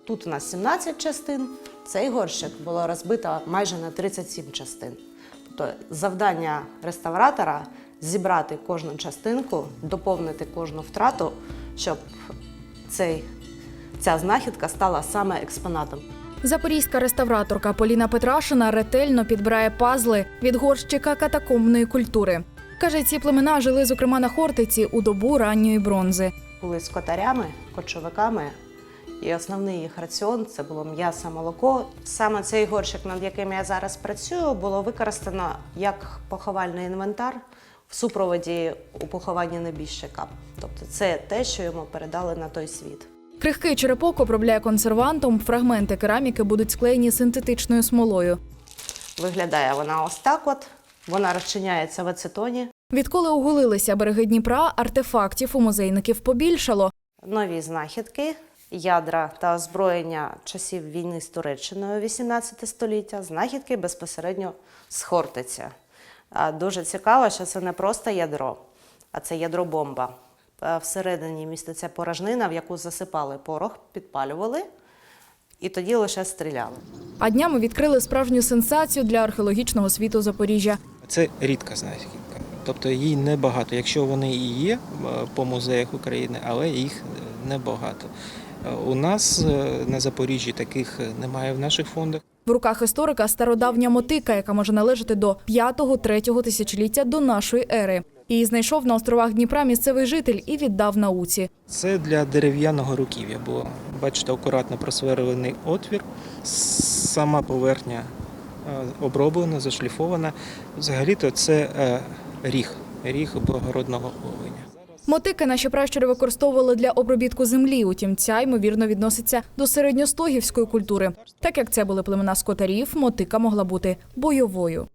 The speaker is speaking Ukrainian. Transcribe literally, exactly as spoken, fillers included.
Тут у нас сімнадцять частин, цей горщик було розбито майже на тридцять сім частин. Тобто завдання реставратора – зібрати кожну частинку, доповнити кожну втрату, щоб цей, ця знахідка стала саме експонатом. Запорізька реставраторка Поліна Петрашина ретельно підбирає пазли від горщика катакомбної культури. Каже, ці племена жили, зокрема, на Хортиці у добу ранньої бронзи. Були скотарями, кочовиками, і основний їх раціон – це було м'ясо, молоко. Саме цей горщик, над яким я зараз працюю, було використано як поховальний інвентар в супроводі у похованні небіжчика. Тобто це те, що йому передали на той світ. Крихкий черепок обробляє консервантом, фрагменти кераміки будуть склеєні синтетичною смолою. Виглядає вона ось так от, вона розчиняється в ацетоні. Відколи оголилися береги Дніпра, артефактів у музейників побільшало. Нові знахідки, ядра та озброєння часів війни з Туреччиною вісімнадцяте століття, знахідки безпосередньо з Хортиця. Дуже цікаво, що це не просто ядро, а це ядробомба. Всередині міститься порожнина, в яку засипали порох, підпалювали і тоді лише стріляли. А днями відкрили справжню сенсацію для археологічного світу Запоріжжя. Це рідка знахідка, тобто її небагато, якщо вони і є по музеях України, але їх небагато. У нас на Запоріжжі таких немає в наших фондах. В руках історика стародавня мотика, яка може належати до п'ятого-третього тисячоліття до нашої ери. Її знайшов на островах Дніпра місцевий житель і віддав науці. Це для дерев'яного руків'я, бо, бачите, акуратно просверлений отвір, сама поверхня оброблена, зашліфована. Взагалі-то це ріг, ріг благородного оленя. Мотики наші пращури використовували для обробітку землі, утім ця, ймовірно, відноситься до середньостогівської культури. Так як це були племена скотарів, мотика могла бути бойовою.